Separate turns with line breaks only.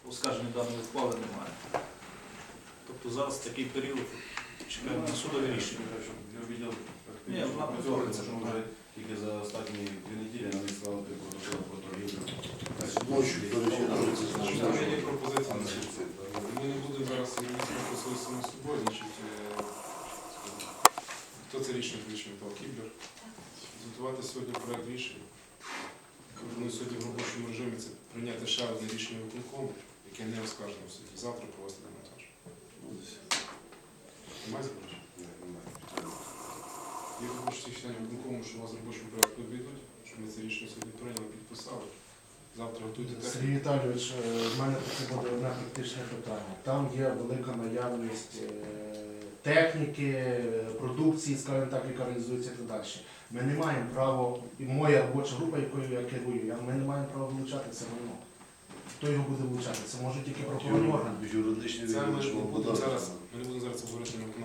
оскарження даної ухвали немає. Тобто зараз такий період чекаємо на судове рішення. Ні, вона повторюється.
Що вже тільки за останні 2 неділі надіслали протокол про торгівлю.
Ночі, до речі,
Там є пропозиція на суд. Ми не будемо зараз просити самим собою, значить, хто це рішення вирішив, Павло Кіблер. Зготувати сьогодні проект рішення. Пропоную сьогодні в робочому режимі це прийняти ще одне рішення виконкому, яке не оскаржено в суді. Завтра провести демонтаж. Немає заперечень? Я хочу всіх членів виконкому, що у вас в робочому порядку обійдуть, щоб ми це рішення сьогодні прийняли, підписали. Завтра готуйте
Сергій
техніку.
Віталійович, в мене таке буде одне практичне питання. Там є велика наявність техніки, продукції, скажімо так, яка реалізується і так далі. Ми не маємо права, і моя робоча група, якою я керую, ми не маємо права вилучати це майно. Хто його буде вилучати? Це може тільки правоохоронні органи.
Юридичні
Це ми не
відомчі
будемо зараз обговорити на